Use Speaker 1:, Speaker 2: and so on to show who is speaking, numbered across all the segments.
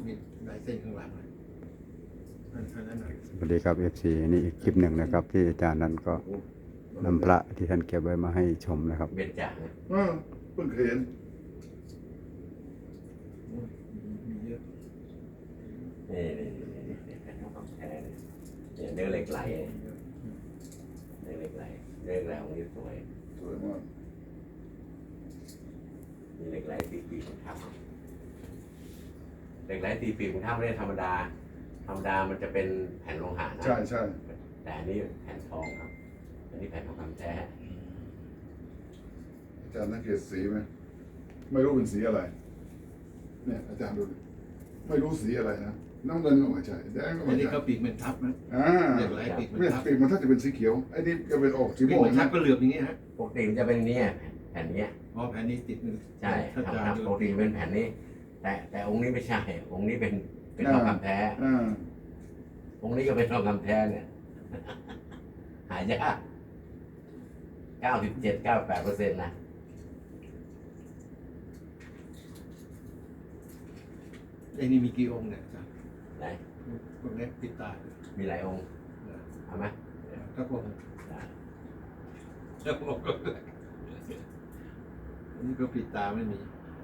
Speaker 1: มีลายเส้นข้างหลังอันนั้นหน่อย
Speaker 2: สวัสดีครับ FC นี่อีกคลิปหนึ่งนะครับ ที่อาจารย์นั้นก็นำพระที่ท่านเก็บไว้มาให้ชมนะครับ
Speaker 3: เบ็ดจ่างนะ
Speaker 4: เพิ่งเคยเห็น
Speaker 1: มีเยอะ
Speaker 3: นี่แผ่นทองคำแท้เนี่ยเนื้อเหล็กไหลเนื้อเหล็กไหลเนื้อเหล็กไหลของนี่สวย
Speaker 4: สวยมาก
Speaker 3: มีเหล็กไหลตีปีกของทับเหล็กไหลตีปีกของทับไม่ได้ธรรมดามันจะเป็นแผ่นโลหะนะ
Speaker 4: ใช่ใช่
Speaker 3: แต่อันนี้แผ่นทองครับอันนี้แผ่นทองคำแท้
Speaker 4: อาจารย์สังเกตสีไหมไม่รู้เป็นสีอะไร เนี่ยอาจารย์ดูดิไม่รู้สีอะไรนะน้ำเงินก็ไม่ใช่แดงก็
Speaker 1: อั
Speaker 4: ไม่
Speaker 1: นนี้
Speaker 4: ใช่
Speaker 1: ก็ปีกมันทับนะ
Speaker 4: อ่า
Speaker 1: เหล็กไหลปีกมัน
Speaker 4: เนี่ย
Speaker 1: ทับ
Speaker 4: ปีกมันถ้าจะเป็นสีเขียวไอ้นี่จะเป็นออกสี
Speaker 1: ปี
Speaker 4: ม่
Speaker 1: ก
Speaker 4: วง
Speaker 1: มันทับ
Speaker 4: นะ
Speaker 1: ก็เหลือบอย่างนี้ฮะ
Speaker 3: ปกติมันจะเป็นเนี้ยแผ่นเนี้ย
Speaker 1: อ๋อแผ่นนี้ติดมือ
Speaker 3: ใช่
Speaker 1: ถ้าจา
Speaker 3: ครับ
Speaker 1: ดู
Speaker 3: ปกติเป็นแผ่นนี้ แต่องค์นี้ไม่ใช่ องค์นี้เป็นทองคำแท้
Speaker 4: อ่า
Speaker 3: องค์นี้ก็เป็นทองคำแท้เนี่ย หายาก97-98%นะ
Speaker 1: ไอ้นี่มีกี่องค์เนี่ยจ้ะ
Speaker 3: ไหน
Speaker 1: พวกนี้ปิดตา
Speaker 3: มีหลายองค์เอาไหม
Speaker 1: ถ้าพวก
Speaker 3: ได้
Speaker 1: ถ้าพวกอันนี้ก็ปิดตาไม่มี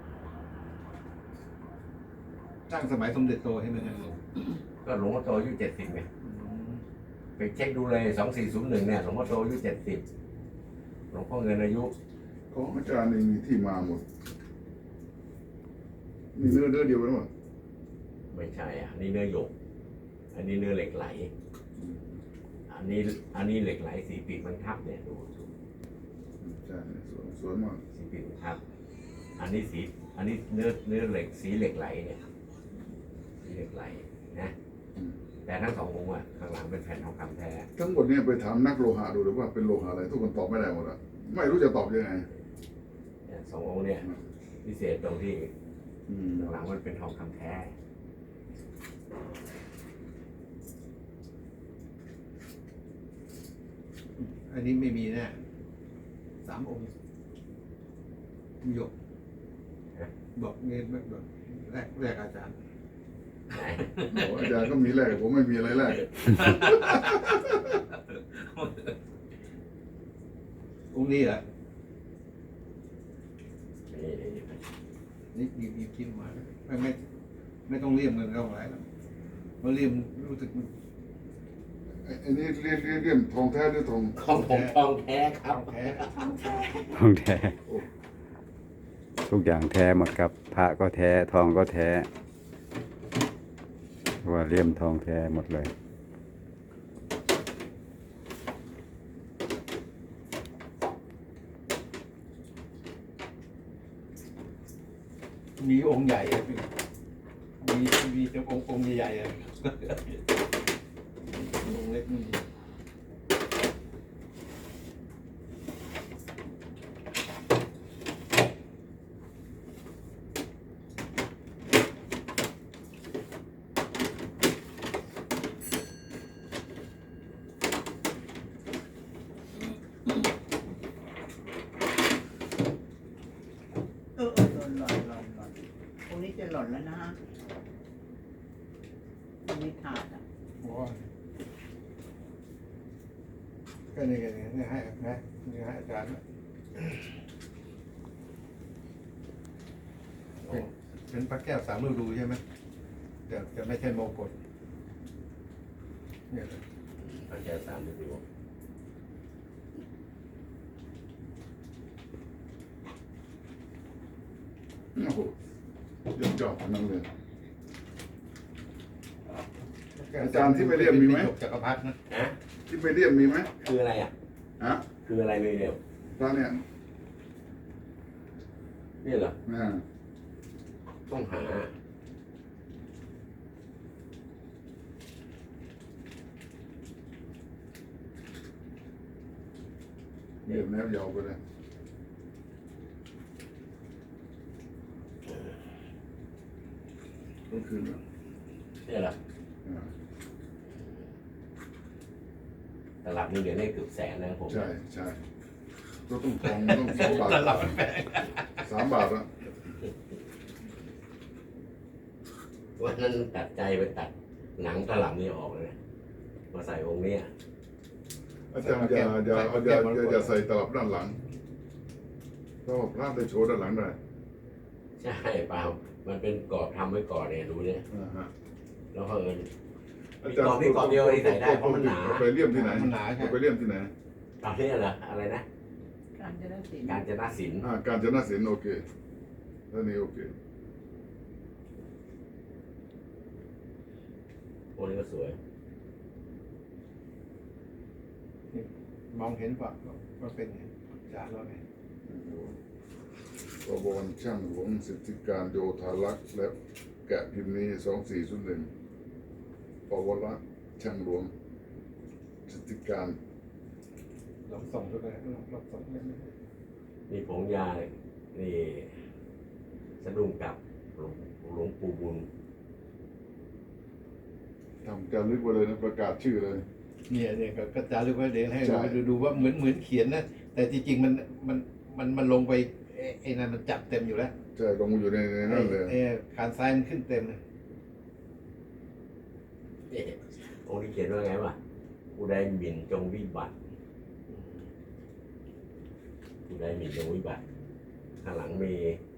Speaker 1: ตั้งสมัยสมเด็จโตให้มันนะ
Speaker 3: ก็หลวงพ่อโตอายุ70ไงไปเช็คดูเลย2401เนี่ยหลวงพ่อโตอายุ70หลวงพ่อเงินอายุ
Speaker 4: ของอาจารย์นี่มีที่มาหมดมีเนื้อเดียวกันหมด
Speaker 3: ไม่ใช่อ่ะอันนี้เนื้อหยก อันนี้เนื้อเหล็กไหล อันนี้เหล็กไหลสีปีกมันทับเนี่ยดู
Speaker 4: ใช่สวยมาก
Speaker 3: สีปีกมันทับ อันนี้เนื้อเหล็กสีเหล็กไหลเนี่ยสีเหล็กไหลนะแต่ทั้งสององค์อ่ะข้างหลังเป็นแผ่นทองคำแท้
Speaker 4: ทั้งหมดเนี่ยไปถามนักโลหะดูหรือว่าเป็นโลหะอะไร ทุกคนตอบไม่ได้หมดอะไม่รู้จะตอบยังไง
Speaker 3: เนี่ยสององค์เนี่ยพิเศษตรงที่
Speaker 4: อืม
Speaker 3: ข้างหลังมันเป็นทองคำแท้
Speaker 1: อันนี้ไม่มีแน่3 องค์หยกบอกเงินแบบแรกอาจารย์
Speaker 3: ไหน
Speaker 4: โอ้อาจารย์ก็มีแรกผมไม่มีอะไรแรก
Speaker 1: องค์นี้เหรอ
Speaker 3: นี่
Speaker 1: นี่กินมาไม่ต้องเลี่ยมเงินเข้าไปแล้วเพราะเลี่ยมรู้สึกมัน
Speaker 4: อันนี้เรียกทองแท้หรือทอง
Speaker 3: ของผมทองแท้ครับ
Speaker 1: แท้
Speaker 2: ทองแท้ทุกอย่างแท้หมดครับพระก็แท้ทองก็แท้ว่าเลี่ยมทองแท้หมดเลย
Speaker 1: มีองค์ใหญ่อะมีแต่องค์ใหญ่ๆอะองค์เล็กไม่มี
Speaker 5: หล่นตรงนี้จะหล่นแล้วนะฮะตรงนี้ขาดอ่ะ
Speaker 1: โอ้ยก็นี่กันนี่ให้นะนี่ให้อาจารย์เป็นพระแก้ว3 ฤดูใช่ไหมแต่ไม่ใช่โมกฎเนี่ย
Speaker 3: พระแก้ว3 ฤดู
Speaker 4: โอ้โหยอดนั่งเลย อาจารย์ที่ไปเรียนมีไหม
Speaker 1: จักรพรรดินะ
Speaker 3: ฮะ
Speaker 4: ที่ไปเรียกมีไหม
Speaker 3: คืออะไรอ่ะ
Speaker 4: ฮะ
Speaker 3: คืออะไรเลยเนี่ย
Speaker 4: ตอนเนี้ย
Speaker 3: นี่เหรอ
Speaker 4: อ่า
Speaker 3: ต้องหา
Speaker 4: เรียบแนวยาวไปเลยก็คือ
Speaker 3: นี่เหรอ
Speaker 4: อ่า
Speaker 3: ตลับนี่เดี๋ยวได้เกือบแสนนะผม
Speaker 4: ใช่ใช่ก็ต้องทองต้อง2 บาท
Speaker 1: ตลับแพง
Speaker 4: 3 บาทละ
Speaker 3: วันนั้นตัดใจไปตัดหนังตลับนี่ออกเลยนะมาใส่องค์เนี้ย
Speaker 4: อาจารย์อย่าใส่ตลับด้านหลังเพราะว่าพระได้โชว์ด้านหลังได้
Speaker 3: ใช่เปล่ามันเป็นกรอบทำไว้ก่อนเนี่ยดูเนี่ย
Speaker 4: ฮะ
Speaker 3: แล้วเผอิญ
Speaker 4: อาจารย์
Speaker 3: มีกรอบเดียวที่ใส่ได้เพราะมันหนา
Speaker 4: ไปเลี่ยมที่ไหน
Speaker 1: มันหนาใช่
Speaker 4: ไปเลี่ยมที่ไหน
Speaker 3: ตอนนี้เหรออะไรนะ
Speaker 5: การจะได้สิน
Speaker 3: การจนาศิลป์
Speaker 4: การจนศิลป์โอเคท่านี้โอเค
Speaker 3: องค์นี้ก็สวย
Speaker 1: มองเห็นป่ะว่าเป็นไงอาจารย์ว่าไง
Speaker 4: กบวนช่างหลวงสิทธิการโยธารักษ์และแกะพิมพ์นี้2401ปวรช่างหลวงสิทธิการ
Speaker 1: ลองส่งดูเลยลองส่งเลย
Speaker 3: นี่ผงยานี่สะดุ้งกับหลวงปู่บุญ
Speaker 4: ทำการลึกไว้เลยนะประกาศชื่อเลย
Speaker 1: เนี่ยก็จารึกไว้เดี๋ยวให้
Speaker 4: ใช่
Speaker 1: เราดูว่าเหมือนเขียนนะแต่จริงๆมันลงไปไอ้นั่นมันจับเต็มอยู่แล้ว
Speaker 4: ใช่ลงมาอยู่ในนั่นเลย
Speaker 1: ไอ้ขานซ้ายมันขึ้นเต็มเลย
Speaker 3: องค์นี้เขียนว่าไงวะผู้ใดหมิ่นจงวิบัติผู้ใดหมิ่นจงวิบัติข้างหลังมี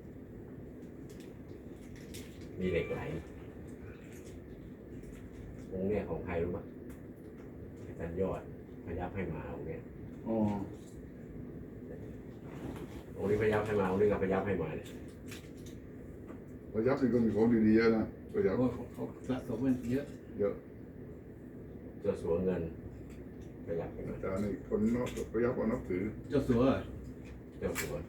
Speaker 3: เหล็กไหลองค์เนี้ยของใครรู้ปะอาจารย์ยอดพยับให้มาองค์เนี้ย
Speaker 4: อ๋อ
Speaker 3: องค์นี้พยับให้มาองค์นี้ก็พยับให้มาเนี่ย
Speaker 4: พยับนี่ก็มีของดีๆเยอะนะพยับ
Speaker 1: เขาสะสมมันเยอะ
Speaker 4: เยอะ
Speaker 3: เจ้าสัวเงินพยับให้มา
Speaker 4: อาจารย์นี่คนนอกพยับก็นับถือ
Speaker 1: เจ้าสัว
Speaker 3: เจ้าสัว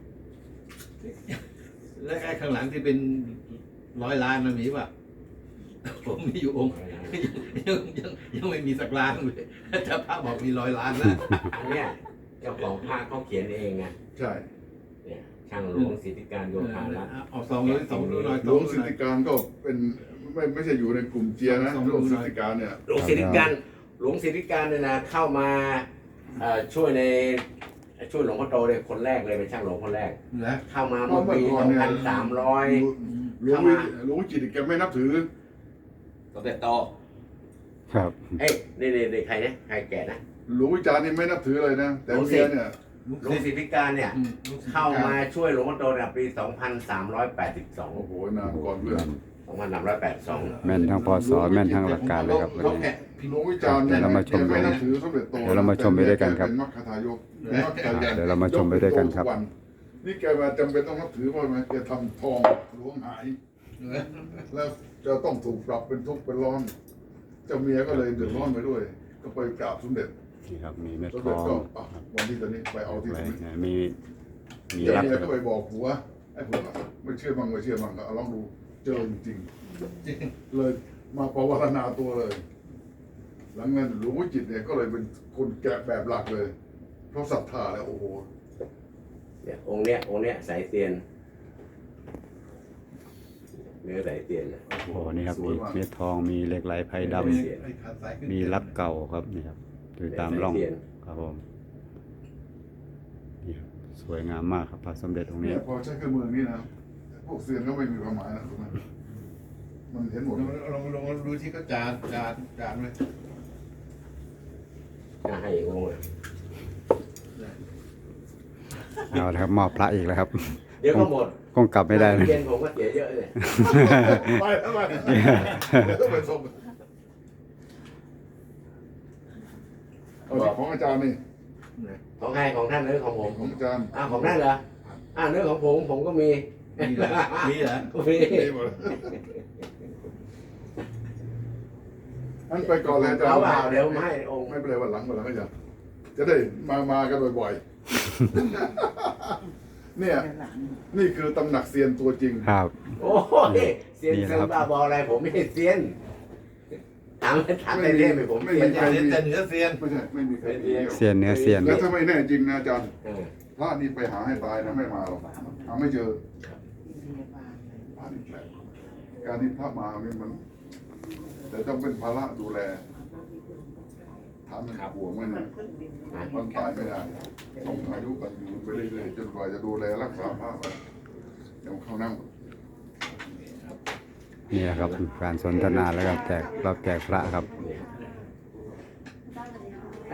Speaker 1: และไอ้ข้างหลังที่เป็น100 ล้านมันมีป่ะผมมีอยู่องค์ยังไม่มีสักล้านเลยถ้าพระบอกมี100 ล้านแล้ว
Speaker 3: อันเนี้ยเจ้าของภาคเขาเขียนเองไง
Speaker 4: ใช่
Speaker 3: เนี่ยช่างหลวงสิทธิการโยธารัตน์
Speaker 1: เอา200 200
Speaker 4: หลวงสิทธิการก็เป็นไม่ใช่อยู่ในกลุ่มเจียนะหลวงสิทธิการเนี่ย
Speaker 3: หลวงสิทธิการเนี่ยนะเข้ามาช่วยหลวงพ่อโตเลยคนแรกเลยเป็นช่างหลวงคนแรก
Speaker 1: นะ
Speaker 3: เข้ามาเมื่อปี2300
Speaker 4: หลวงจิตแกไม่นับถือ
Speaker 3: สมเด็จโต
Speaker 2: ครับ
Speaker 3: เอ้ยนี่ใครนะใครแก่นะ
Speaker 4: หลวงวิจารณ์นี่ไม่นับถือเลยนะแต่เมียเนี่ย
Speaker 3: หลวงสิทธิการเนี่ยเข้ามาช่วยหลวงพ่อโตเนี่ยปี 2382
Speaker 4: โอ้โหนานก่อนเพื่อน
Speaker 3: 2382
Speaker 2: แม่นทั้งพศแม่นทั้งหลักการเลยครับวันนี้
Speaker 4: หลวงวิจารณ์เนี่ย
Speaker 2: เดี๋ยวเรามาชม
Speaker 4: แกไม่นับถือสมเด็จโต
Speaker 2: เดี๋ยวเรามาชมไปด้วยกันครับ
Speaker 4: เป็นมรรคทายกเป็นมรรคทายก
Speaker 2: เดี๋ยวเรามาชมไปด้วยกันครับ
Speaker 4: นี่แกมาจำเป็นต้องนับถือเพราะไหมแกทำทองหลวงหาย แล้วจะต้องถูกปรับเป็นทุกข์เป็นร้อน เจ้าเมียก็เลยเดือดร้อนไปด้วย ก็ไปกราบสมเด็จ
Speaker 2: นี่ครับมีเม็ด
Speaker 4: สม
Speaker 2: ท
Speaker 4: เด็จ
Speaker 2: อง
Speaker 4: ก็วันนี้ตอนนี้ไปเอาที่
Speaker 2: ไว้
Speaker 4: สมเด็จ
Speaker 2: นะมี
Speaker 4: เจ้า
Speaker 2: รับ
Speaker 4: เมียก็ไปบอกผัวไอ้ผัวไม่เชื่อมั่งก็เอาลองดูเจอจริงๆเลยมาภาวนาตัวเลย หลังนั้นหลวงวิจิตรเนี่ยก็เลยเป็นคนแกะแบบหลักเลย เพราะศรัทธาแล้วโอ้โห
Speaker 3: เนี่ยองค์เนี้ยสายเตียนเนื้อสายเตียนนะ
Speaker 2: โอ้โหนี่ครับมีเม็ดทองมีเหล็กไหลไพดำ
Speaker 1: ไอ้ขาซ้ายขึ้น
Speaker 2: มีรับเก่าครับนี่ครับดูตามร่อง
Speaker 3: สายเตียน
Speaker 2: ครับผมนี่ครับสวยงามมากครับพระสมเด็จองค์นี้
Speaker 4: เนี่ยพอใช้เครื่องมือนี้นะพวกเซียนก็ไม่มีความหมายนะถูกไหมมันเห็นหมด
Speaker 1: ลองดูที่เขาจานไว้
Speaker 3: น่าให้อีกองค์เลย
Speaker 2: เอาละครับมอบพระอีกแล้วครับ
Speaker 3: เดี๋ยวก็หมด
Speaker 2: คงกลับไม่ได้นะ
Speaker 3: เย็นผมก็เสียเยอะเลย
Speaker 4: ไปแล้วไปเดี๋ยวต้องไปส่งเอาที่ของอาจารย์นี่
Speaker 3: ของใครของท่านหรือของผม
Speaker 4: ของอาจารย์
Speaker 3: ของท่านเหรอเนื้อของผมก็มี
Speaker 1: มีเหรอ
Speaker 3: มี
Speaker 4: นี่หมดอันไปก่อนเลยอาจาร
Speaker 3: เอา
Speaker 4: ย์
Speaker 3: เปล่าเดี๋ยวมาให้องค์
Speaker 4: ไม่เป็นไรวันหลังก็จะได้มากันบ่อยๆเนี่ย
Speaker 5: ด้านหลัง
Speaker 4: นี่คือตำหนักเซียนตัวจริง
Speaker 2: ครับ
Speaker 3: โอ้ยเซียน
Speaker 2: นี่
Speaker 3: เซี
Speaker 2: นะ
Speaker 3: ย
Speaker 2: ครั
Speaker 3: น
Speaker 2: บ
Speaker 3: บ้าบออะไรผมไม่ใช่เซียนถามในเรื่องไปผม
Speaker 4: ไม่
Speaker 3: เซีย
Speaker 4: มี
Speaker 3: น
Speaker 1: แต่เนื้อเซียน
Speaker 4: ไม่ใช่ไม่มีใครมี
Speaker 2: เซียนเนื้อเซียน
Speaker 4: แล้วถ้าไม่แน่จริงนะอาจารย์
Speaker 3: เออ
Speaker 4: พระนี่ไปหาให้ตายนะไม่มาหรอกหาไม่เจอ
Speaker 5: อินเดียบางเลย
Speaker 4: พระนี่แปลกการที่พระมาเนี่ยมัน แต่ต้องเป็นภาระดูแลถามมันห่วงมันนะมันตายไม่ได้ต้องอายุกันอยู่ไปเรื่อยๆจนกว่าจะดูแลรักษาพระไปเดี๋ยวเข้านั่ง
Speaker 2: นี่แหละครับการสนทนาแล้วก็แจกรับแจกพระครับ
Speaker 3: เนี่ย